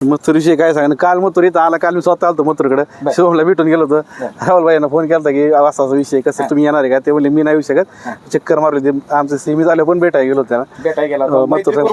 मथुरीविषयी काय सांग काल मथुर इथं आला. काल मी स्वतः आलतो मथुरकडे, शिवमला भेटून गेलो होतो. राहुल भाईंना फोन केला की असा विषय कसं तुम्ही येणार आहे का? ते म्हणले मी नाही येऊ शकत, चक्कर मारली. ते आमचं सेमी झालं पण भेटायला गेलो त्यांना.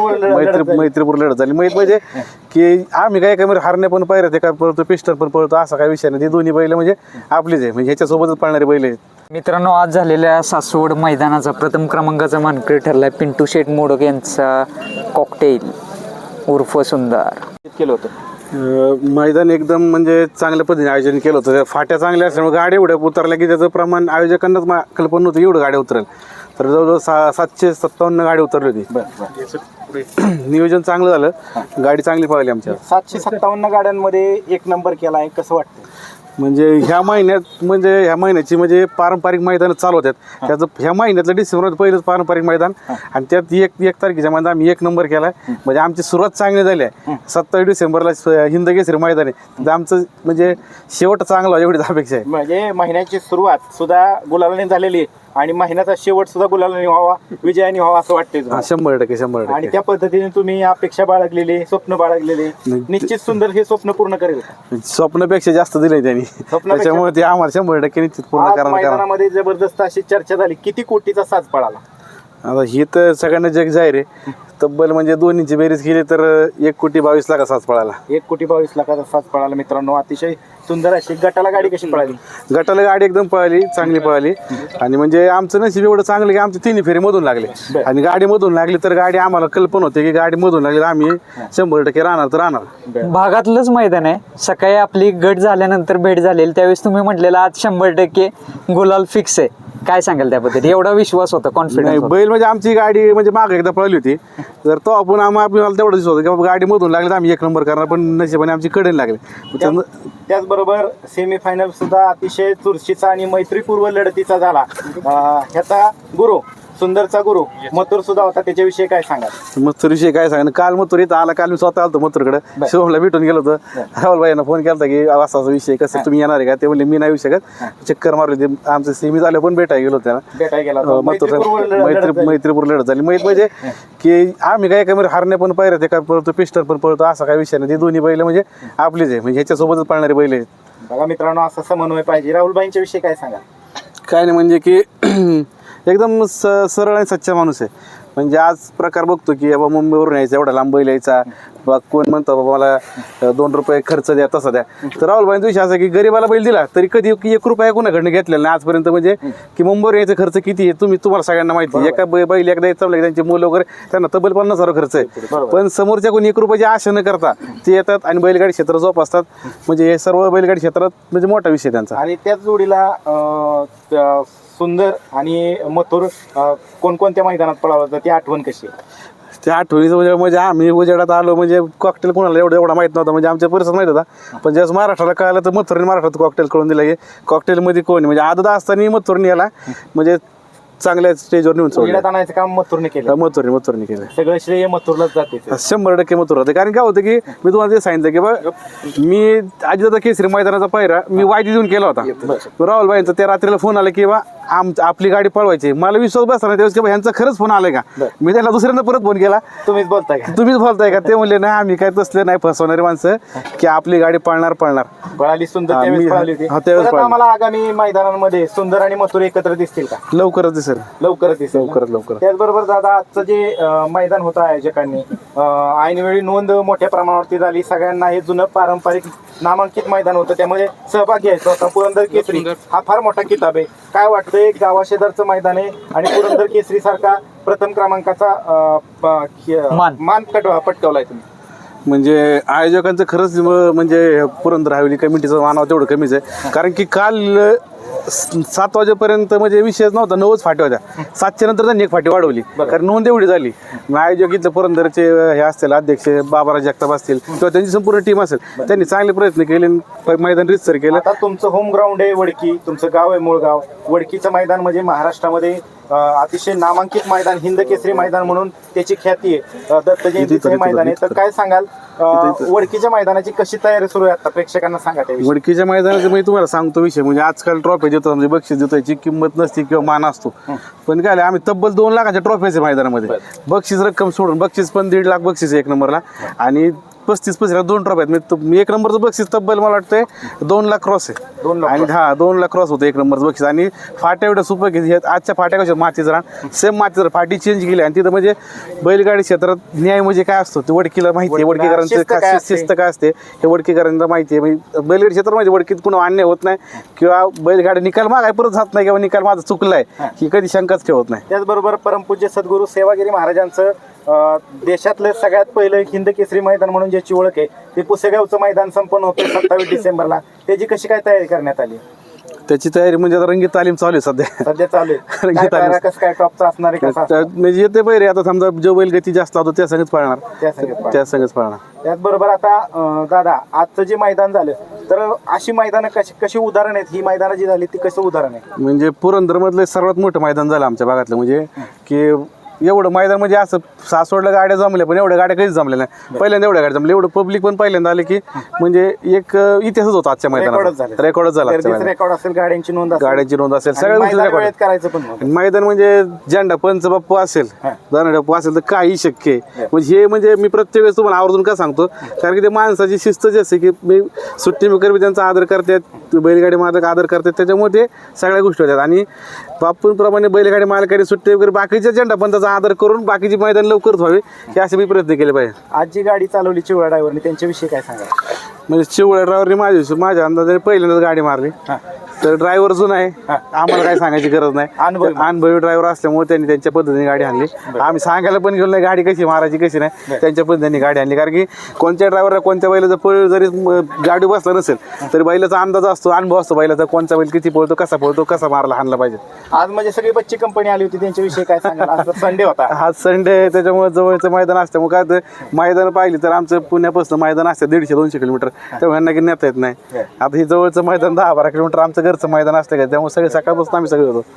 मैत्रीपूर लढत झाली. म्हणजे की आम्ही काय कमी हारणे पण पाहिजे ते काय पळतो, पिस्टल पण पळतो, असा काय विषय नाही. ते दोन्ही बैल म्हणजे आपलीच आहे, म्हणजे ह्याच्यासोबतच पळणारे बैल आहेत. मित्रांनो, आज झालेल्या सासवड मैदानाचा प्रथम क्रमांकाचा मानकरी ठरलाय पिंटू शेठ मोडक यांचा कॉकटेल उर्फ सुंदर. केलं होतं मैदान एकदम म्हणजे चांगल्या पद्धतीने आयोजन केलं होतं. फाट्या चांगल्या असल्यामुळे गाड्या एवढ्या उतरल्या की त्याचं प्रमाण आयोजकांनाच कल्पना नव्हतं एवढं गाड्या उतरेल. तर जवळजवळ 757 गाडी उतरली होती. नियोजन चांगलं झालं, गाडी चांगली पळाली आमच्या. 757 गाड्यांमध्ये एक नंबर केला आहे, कसं वाटतं? म्हणजे ह्या महिन्याची म्हणजे पारंपरिक मैदान चालू होतात. त्याचं ह्या महिन्यातलं डिसेंबरात पहिलंच पारंपरिक मैदान, आणि त्यात एक तारखेच्या मैदान आम्ही 1 नंबर केला. म्हणजे आमची सुरुवात चांगली झाली आहे. 27 डिसेंबरला हिंद केसरी मैदान आहे, तर आमचं म्हणजे शेवट चांगला एवढीच अपेक्षा आहे. म्हणजे महिन्याची सुरुवात सुद्धा गुलालाने झालेली आहे आणि महिन्याचा शेवट सुद्धा गुलालाने व्हावा, विजयाने व्हावा असं वाटतंय. 100%. आणि त्या पद्धतीने तुम्ही अपेक्षा बाळगलेली, स्वप्न बाळगलेले, निश्चित सुंदर हे स्वप्न पूर्ण करेल. स्वप्नापेक्षा जास्त दिलंय त्यांनी, त्याच्यामुळे ते आम्हाला 100% निश्चित पूर्ण करणार. मैदानामध्ये जबरदस्त अशी चर्चा झाली, किती कोटीचा साज पळाला? आता ही तर सगळ्यांना जग जाहीर आहे. तब्बल म्हणजे दोन्हीची बेरीज केली तर 1,22,00,000 साज पळाला. 1,22,00,000 साज पळाला. मित्रांनो, अतिशय सुंदर अशी. गटाला गाडी कशी पळाली? गटाला गाडी एकदम पळाली, चांगली पळाली. आणि म्हणजे आमचं नशीब एवढं चांगलं की आमचे 3 फेरी मधून लागले. आणि गाडी मधून लागली तर गाडी आम्हाला कल्पना होते की गाडी मधून लागली आम्ही 100% राहणार तर राहणार. भागातलंच मैदान आहे. सकाळी आपली गट झाल्यानंतर भेट झालेली, त्यावेळेस तुम्ही म्हटलेलं आज 100% गुलाल फिक्स आहे. काय सांगाल त्याबद्दल? एवढा विश्वास होता, कॉन्फिडन्स? बैल म्हणजे आमची गाडी म्हणजे मागे एकदा पळली होती, तर तो आपण आपल्याला तेवढं दिसत होतं की बाबा गाडी मधून लागली तर आम्ही 1 नंबर करणार. पण नशिबाने आमची कडेन लागली. त्याचबरोबर सेमीफायनल सुद्धा अतिशय चुरशीचा आणि मैत्रीपूर्व लढतीचा झाला. ह्याचा गुरु, सुंदरचा गुरु मथुर सुद्धा होता, त्याच्याविषयी काय सांगाल? मथुरविषयी काय सांग काल मथुर इथं आला. काल मी स्वतः आलतो मथुरकडे, शिवमला भेटून गेलो होतो. राहुल भाईंना फोन केला की असा विषय कसं तुम्ही येणार आहे का? ते म्हणले मी नाही येऊ शकत, चक्कर मारली. ते आमचं सेमी झालं पण भेटायला गेलो त्यांना. मैत्रीपूर लढत झाली. म्हणजे की आम्ही काय कमी हारणे पण पाहिजे ते काय पळतो, पिस्टल पण पळतो, असा काय विषय नाही. ते दोन्ही बैल म्हणजे आपलीच आहे, म्हणजे ह्याच्यासोबतच पळणारे बैल आहेत. बघा मित्रांनो, असा समन्वय पाहिजे. राहुलबाईंच्या विषयी काय सांगा? काय नाही म्हणजे की एकदम सरळ आणि सच्चा माणूस आहे. म्हणजे आज प्रकार बघतो की बाबा मुंबईवरून यायचा, एवढा लांब बैल यायचा, बा कोण म्हणतं बाबा मला 2 रुपये खर्च द्या, तसा द्या. तर राहुलबाईंचा विषय असा की गरीबाला बैल दिला तरी कधी 1 रुपया कोणाकडनं घेतलेला नाही आजपर्यंत. म्हणजे की मुंबईवर यायचा खर्च किती आहे तुम्हाला सगळ्यांना माहिती आहे. एका बैल एकदा यायचं त्यांची मुलं वगैरे त्यांना तब्बल 50,000 खर्च आहे. पण समोरच्या कोणी 1 रुपयाची आशा न करता ते येतात आणि बैलगाडी क्षेत्र जोपासतात. म्हणजे हे सर्व बैलगाडी क्षेत्रात म्हणजे मोठा विषय त्यांचा. आणि त्याच जोडीला सुंदर आणि मथुर कोणकोणत्या मैदानात पळाला होता, ती आठवण कशी आहे? त्या आठवणीचं म्हणजे आम्ही उजेडात आलो म्हणजे कॉकटेल कोणाला एवढा माहित नव्हता. म्हणजे आमच्या परिसरात माहित होता, पण ज्यावेळेस महाराष्ट्राला कळालं तर मथुरने महाराष्ट्रात कॉकटेल कळून दिला. कॉकटेलमध्ये कोण म्हणजे आदत असताना मथुरने याला म्हणजे चांगल्या स्टेजवर नेऊन सोडलं. आणायचं काम मथुरने केलं. मथुरने केलं. सगळं श्रेय मथुरलाच जाते. 100% मथुर होते. कारण काय होतं की मी तुम्हाला ते सांगितलं की बा मी अजितदादा केसरी मैदानाचा पायरा मी वायदी देऊन केला होता. राहुलबाईंचा त्या रात्रीला फोन आला की बा आपली गाडी पळवायची. मला विश्वास बसला नाही त्यावेळेस की बा ह्यांचा खरंच फोन आलाय का? मी त्याला दुसऱ्यांदा परत फोन केला, तुम्हीच बोलताय का? ते म्हणले नाही आम्ही काय तसले नाही फसवणारे माणसं की आपली गाडी पळणार. पळाली सुंदर. आम्हाला आगामी मैदानांमध्ये सुंदर आणि मथुर एकत्र दिसतील का? लवकरच दिसेल. लवकर. त्याचबरोबर दादा, आजचं जे मैदान होतं आयोजकांनी ऐनवेळी नोंद मोठ्या प्रमाणावरती झाली. सगळ्यांना हे जुनं पारंपरिक नामांकित मैदान होतं, त्यामध्ये सहभाग घ्यायचा होता. पुरंदर केसरी हा फार मोठा किताब आहे. काय वाटतंय, गावाशेजारचं मैदान आहे आणि पुरंदर केसरी सारखा प्रथम क्रमांकाचा मान पटकावलाय तुम्ही? म्हणजे आयोजकांचं खरंच म्हणजे पुरंदर हवेली कमिटीचं मानावं तेवढं कमीच आहे. कारण की काल 7 वाजेपर्यंत म्हणजे विषयच नव्हता, 9च फाटी होत्या. 7च्या नंतर त्यांनी 1 फाटी वाढवली कारण नोंद एवढी झाली. आयोजक इथलं पुरंदरचे हे असतील अध्यक्ष बाबाराज जगताप असतील किंवा त्यांची संपूर्ण टीम असेल, त्यांनी चांगले प्रयत्न केले, मैदान रितसर केलं. आता तुमचं होम ग्राउंड आहे वडकी, तुमचं गाव आहे मूळगाव. वडकीचं मैदान म्हणजे महाराष्ट्रामध्ये अतिशय नामांकित मैदान, हिंद केसरी मैदान म्हणून त्याची ख्याती आहे. दत्त जयंतीचं मैदान आहे. तर काय सांगाल, वडकीच्या मैदानाची कशी तयारी सुरू आहे आता, प्रेक्षकांना सांगा. वडकीच्या मैदानाचं मी तुम्हाला सांगतो विषय म्हणजे आजकाल ट्रॉफी देतो म्हणजे बक्षीस देतो, याची किंमत नसती किंवा मान असतो. पण काय आम्ही तब्बल 2 लाखाच्या ट्रॉफीचे मैदानामध्ये बक्षीस रक्कम सोडून बक्षीस पण 1.5 लाख बक्षीस 1 नंबरला. आणि 35 2 ट्रॉफी आहेत. मी 1 नंबरचं बक्षीस तब्बल मला वाटतंय 2 लाख क्रॉस आहे. 2 लाख आणि 2 लाख क्रॉस होतं 1 नंबरचं बक्षीस. आणि फाट्या एवढ्या सुपर की आजच्या फाट्या कशा मातीचं रान सेम मातीचं रान, फाटी चेंज केली. आणि तिथं म्हणजे बैलगाडी क्षेत्रात न्याय म्हणजे काय असतो ते वडकीला माहिती आहे. वडकीकरांचं शिस्त काय असते हे वडकीकरांना माहिती आहे. म्हणजे बैलगाडी क्षेत्रात म्हणजे वडकीत पुन्हा अन्याय होत नाही किंवा बैलगाडी निकाल मागाय परत जात नाही किंवा निकाल माझा चुकलाय ही कधी शंकाच ठेवत नाही. त्याचबरोबर परमपूज्य सद्गुरू सेवागिरी महाराजांचं देशातलं सगळ्यात पहिलं हिंद केसरी मैदान म्हणून ज्याची ओळख आहे ते पुसेगावचं मैदान संपन्न होतं 27 डिसेंबरला. त्याची कशी काय तयारी करण्यात आली? त्याची तयारी म्हणजे आता रंगीत तालीम चालू आहे सध्या चालू आहे. काय पायरा कसं काय टॉपचा असणार आहे कसं असणार? म्हणजे येते बैरे आता समजा जो बैल गती जास्त होतो त्या संगच पळणार त्या संगच पळणार. त्याचबरोबर आता दादा आजचं जे मैदान झालं तर अशी मैदानं कशी उदाहरण आहेत? ही मैदानं जी झाली ती कसं उदाहरण आहे? म्हणजे पुरंदरमधलं सर्वात मोठं मैदान झालं आमच्या भागातलं. म्हणजे की एवढं मैदान म्हणजे असं सासवडला गाड्या जमल्या पण एवढ्या गाड्या कधीच जमल्या नाही. पहिल्यांदा एवढ्या गाड्या जमल्या, एवढं पब्लिक पण पहिल्यांदा आले की म्हणजे एक इतिहासच होता आजच्या मैदानात. रेकॉर्डच झाला. रेकॉर्ड असेल, गाड्यांची नोंद असेल, सगळ्या गोष्टी रेकॉर्ड करायचं पण. मैदान म्हणजे झेंडा पंच बाप्पू असेल, दानडप्पू असेल तर काही शक्य आहे. म्हणजे हे म्हणजे मी प्रत्येक वेळेस तुम्हाला आवर्जून का सांगतो कारण की ते माणसाची शिस्त जी असते की मी सुट्टी मेकर बी त्यांचा आदर करतात, बैलगाडी मालक आदर करतात, त्याच्यामुळे ते सगळ्या गोष्टी होतात. आणि बापूंप्रमाणे बैलगाडी मालकाने सुट्टी वगैरे बाकीच्या झेंडा पंचाचा आदर करून बाकीची मैदान लवकरच व्हावी हे असे मी प्रयत्न केले पाहिजे. आज जी गाडी चालवली चिवळा ड्रायव्हरने त्यांच्याविषयी काय सांगा? म्हणजे चिवळ्या ड्रायव्हरने माझ्या अंदाजाने पहिल्यांदाच गाडी मारली. तर ड्रायव्हर जुना आहे, आम्हाला काय सांगायची गरज नाही. अनुभवी ड्रायव्हर असल्यामुळे त्यांनी त्यांच्या पद्धतीने गाडी आणली. आम्ही सांगायला पण गेलो नाही गाडी कशी मारायची कशी नाही, त्यांच्या पद्धतीने गाडी आणली. कारण की कोणत्या ड्रायव्हरला कोणत्या बैलाचा पळ जरी गाडी बसला नसेल तरी बैलाचा अंदाज असतो, अनुभव असतो बैलाचा, कोणता बैल किती पळतो, कसा मारला हाणला पाहिजे. आज म्हणजे सगळी बच्ची कंपनी आली होती, त्यांच्याविषयी काय सांगाल? आज संडे होता, हा संडे, त्याच्यामुळे जवळचं मैदान असल्यामुळे काय तर मैदान पाहिली तर आमचं पुण्यापासून मैदान असतं 150-200 किलोमीटर, तेव्हा यांना की नेता येत नाही. आता हे जवळचं मैदान 10-12 किलोमीटर आमचं घरचं मैदान असतं का, त्यामुळे सगळे सकाळपासून आम्ही सगळे होतो.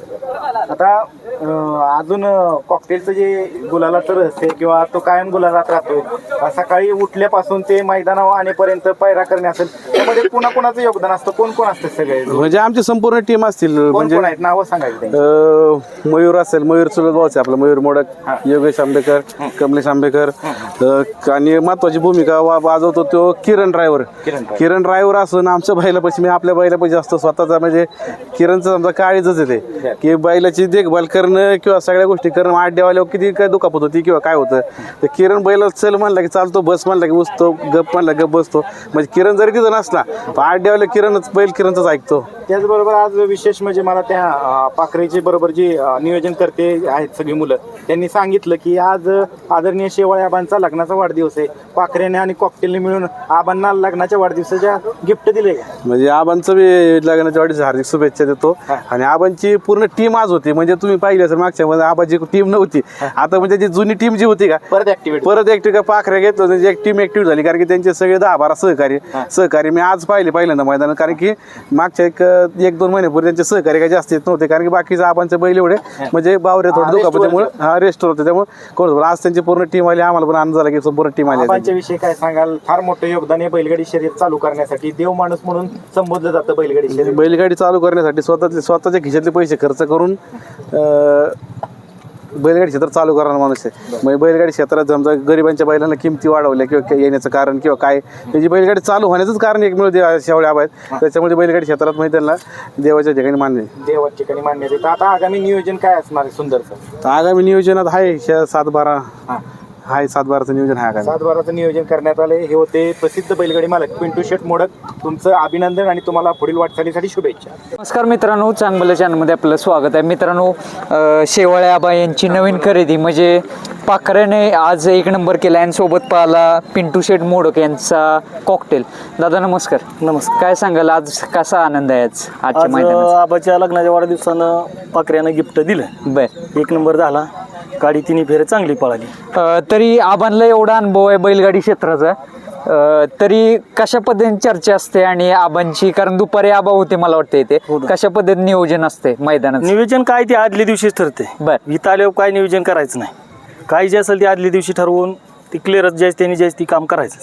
आता अजून कॉकटेलचं जे गुलालाचं रहस्य किंवा तो कायम गुलालात राहतो, सकाळी उठल्यापासून ते मैदानावर आणेपर्यंत पायरा करणे असेल, त्यामध्ये कुणाकुणाचं योगदान असतं? कोण कोण असतं? सगळे म्हणजे आमची संपूर्ण टीम असतील. म्हणजे नावं सांगायचं. मयूर असेल, मयूर चुलत भाऊ आहे आपला, मयूर मोडक, योगेश आंबेकर, कमलेश आंबेकर. आणि महत्वाची भूमिका वाजवतो तो किरण ड्रायव्हर असून आमच्या बैलापाशी, मी आपल्या बैलापाशी असतो स्वतःचा. म्हणजे किरणचं समजा काळीजच येते की बैलाची देखभाल करणं किंवा सगळ्या गोष्टी करणं. आड्यावाल्यावर किती काय दुखापत होती किंवा काय होतं तर किरण बैला चल म्हणला की चालतो, बस म्हणला की बसतो, गप म्हणला गप बसतो. म्हणजे किरण जरी तिथं नसला आड्यावाल्या किरणचंच ऐकतो. त्याचबरोबर आज विशेष म्हणजे मला त्या पाखरेचे बरोबर जी नियोजन करते आहेत सगळी मुलं, त्यांनी सांगितलं की आज आदरणीय शेवाळे आबांचा लग्नाचा वाढदिवस आहे, पाखरेने आणि कॉकटेलने मिळून आबांना लग्नाच्या वाढदिवसाच्या गिफ्ट दिले. म्हणजे आबांचं बी लग्नाच्या वाढदिवसाच्या हार्दिक शुभेच्छा देतो. आणि आबांची पूर्ण टीम आज होती. म्हणजे तुम्ही पाहिली असेल मागच्या मध्ये आबाची टीम नव्हती, आता म्हणजे जी जुनी टीम जी होती का परत ऍक्टिव्ह का पाखऱ्या घेतलं म्हणजे एक टीम ऍक्टिव्ह झाली. कारण की त्यांचे सगळे 10-12 सहकारी मी आज पहिल्यांदा मैदानात. कारण की मागच्या 1-2 महिन्यापूर्वी त्यांचे सहकारी काही जास्त येत नव्हते, कारण की बाकीचे आबांचे बैल एवढे म्हणजे बावरे थोडे दुखापत त्यामुळे रेस्ट होते, त्यामुळे कोण आज त्यांची पूर्ण टीम आली. आम्हाला पण आनंद झाला की संपूर्ण टीम आली. आबांच्या विषयी काय सांगाल? फार मोठं योगदान आहे बैलगाडी शर्यत चालू करण्यासाठी, देव माणूस म्हणून संबोधलं जातं बैलगाडी शर्यत. बैलगाडी चालू करण्यासाठी स्वतःच्या खिशातले पैसे खर्च करून बैलगाडी क्षेत्र चालू करणारा माणूस आहे. म्हणजे बैलगाडी क्षेत्रात समजा गरिबांच्या बैलांना किमती वाढवल्या किंवा येण्याचं कारण किंवा काय त्याची बैलगाडी चालू होण्याचंच कारण एक मिळून शेवळे आबा आहेत. त्याच्यामुळे बैलगाडी क्षेत्रात म्हणजे त्यांना देवाच्या ठिकाणी मान्य देतं. आता आगामी नियोजन काय असणार आहे सुंदरचं? आगामी नियोजनात आहे 7-12चं नियोजन आहे. 7-12चं नियोजन करण्यात आले. हे होते प्रसिद्ध बैलगाडी मालक पिंटू शेट मोडक. तुमचं अभिनंदन आणि तुम्हाला पुढील वाटचालीसाठी शुभेच्छा. नमस्कार मित्रांनो, चांगलं चॅनलमध्ये आपलं स्वागत आहे. मित्रांनो, शेवाळे आबा यांची नवीन खरेदी म्हणजे पाखऱ्याने आज 1 नंबर केला आणि सोबत पाहिला पिंटू शेट मोडक यांचा कॉकटेल. दादा नमस्कार. नमस्कार. काय सांगाल आज कसा आनंद आहे आजच्या मैदानात? आबाच्या लग्नाच्या वाढदिवसानं पाखऱ्यानं गिफ्ट दिलं. बर, 1 नंबर झाला, गाडी 3 फेऱ्या चांगली पळाली. तरी आबांना एवढा अनुभव आहे बैलगाडी क्षेत्राचा, तरी कशा पद्धतीने चर्चा असते आणि आबांची, कारण दुपारी आबा होते मला वाटतं इथे, कशा पद्धतीने नियोजन असते मैदानात? नियोजन काय ते आदल्या दिवशीच ठरते. बर, इथं आल्यावर काय नियोजन करायचं नाही, काय जे असेल ते आदल्या दिवशी ठरवून ती क्लिअरच ज्याच त्यांनी ती काम करायचं.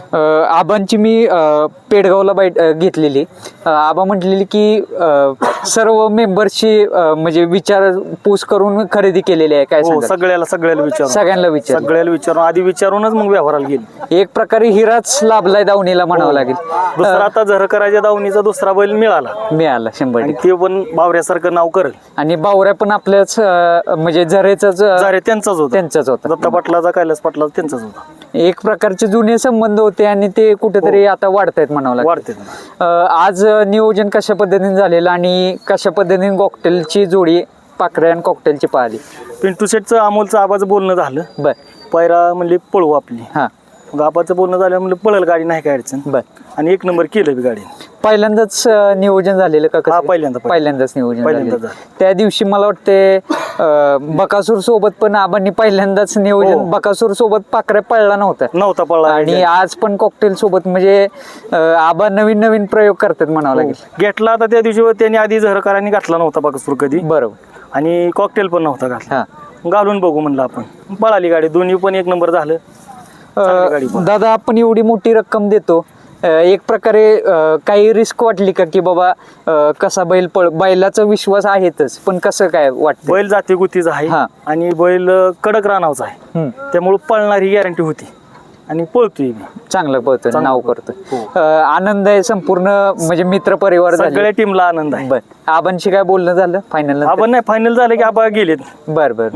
आबांची मी पेडगावला घेतलेली. आबा म्हटलेली की सर्व मेंबर्सची म्हणजे विचारपूस करून खरेदी केलेली आहे. काय हो, सांगाल? सगळ्याला विचारून सगळ्यांना विचार आधी विचारूनच मग व्यवहाराला गेली. एक प्रकारे हिराच लाभलाय दावणीला म्हणावं लागेल. दुसरा आता झरकराच्या दावणीचा दुसरा बैल मिळाला मिळाला 100%. आणि ते पण बावऱ्यासारखं नाव करेल. आणि बावऱ्या पण आपल्याच म्हणजे झरेचाच अरे त्यांचाच होता. दत्ता पाटलाचा कैलास पाटलाचा त्यांचाच होता. एक प्रकारचे जुने संबंध होते आणि ते कुठेतरी आता वाढतायत म्हणावं लागेल. वाढते. आज नियोजन कशा पद्धतीने झालेलं आणि कशा पद्धतीने कॉकटेलची जोडी पाखरे आणि कॉकटेलची पाहिली? पिंटू शेटचं अमोलचं आबाचं बोलणं झालं. बर. पैरा म्हणले पळवू आपली. हा. मग आबाचं बोलणं झालं म्हणलं पळेल गाडी, नाही काय अडचण. बर. आणि 1 नंबर केलं बी गाडी. पहिल्यांदाच नियोजन झालेलं का? हा, कसं? पहिल्यांदाच नियोजन पहिल्यांदाच झालेलं. त्या दिवशी मला वाटते बकासूर सोबत पण आबांनी पहिल्यांदाच नियोजन. हो. बकासूर सोबत पाखऱ्या पळला नव्हता पळला. आणि आज पण कॉकटेल सोबत म्हणजे आबा नवीन प्रयोग करतात म्हणावं लागेल. घेतला आता त्या दिवशी त्यांनी आधी झरकरांनी घातला नव्हता बकासूर कधी. बरोबर. आणि कॉकटेल पण नव्हता घातला. हा. घालून बघू म्हणलं आपण. पळाली गाडी, दोन्ही पण 1 नंबर झालं. चांगली गाडी पण. दादा, आपण एवढी मोठी रक्कम देतो, एक प्रकारे काही रिस्क वाटली का की बाबा कसा बैलाचा विश्वास आहेतच, पण कसं काय वाटतं? बैल जाती गुतीचा आहे हा. आणि बैल कडक रानावचा आहे. त्यामुळे पळणारी गॅरंटी होती आणि पळतोय मी. चांगलं पळतोय, चांगलं नाव करतोय. आनंद आहे संपूर्ण म्हणजे मित्र परिवार झाले. सगळ्या टीमला आनंद आहे. बर. आबांशी काय बोलणं झालं फायनल? आपण नाही, फायनल झालं की आबा गेलेत. बर.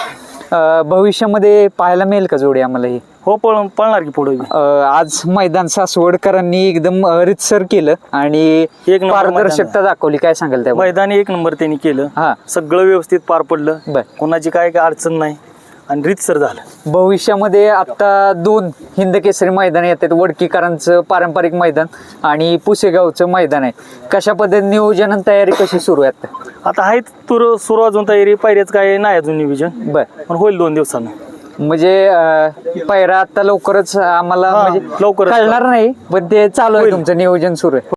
भविष्यामध्ये पाहायला मिळेल का जोडी आम्हाला ही? हो, पळणार की पुढे. आज मैदान सासवडकरांनी एकदम रितसर केलं आणि एक नंबर पारदर्शकता दाखवली. काय सांगाल त्या? मैदानी 1 नंबर त्यांनी केलं. हा. सगळं व्यवस्थित पार पडलं. बर. कोणाची काय अडचण नाही आणि रीतसर झालं. भविष्यामध्ये आता 2 हिंदकेसरी मैदान येतात. वडकीकरांचं पारंपरिक मैदान आणि पुसेगावचं मैदान आहे. कशा पद्धतीने नियोजन आणि तयारी कशी सुरू आहे आता आहेत सुरू अजून तयारी. पायऱ्याच काय नाही अजून नियोजन, बर. पण होईल 2 दिवसानं. म्हणजे पायरा आता लवकरच आम्हाला म्हणजे लवकरच कळणार नाही, पण ते चालू आहे, तुमचं नियोजन सुरू आहे.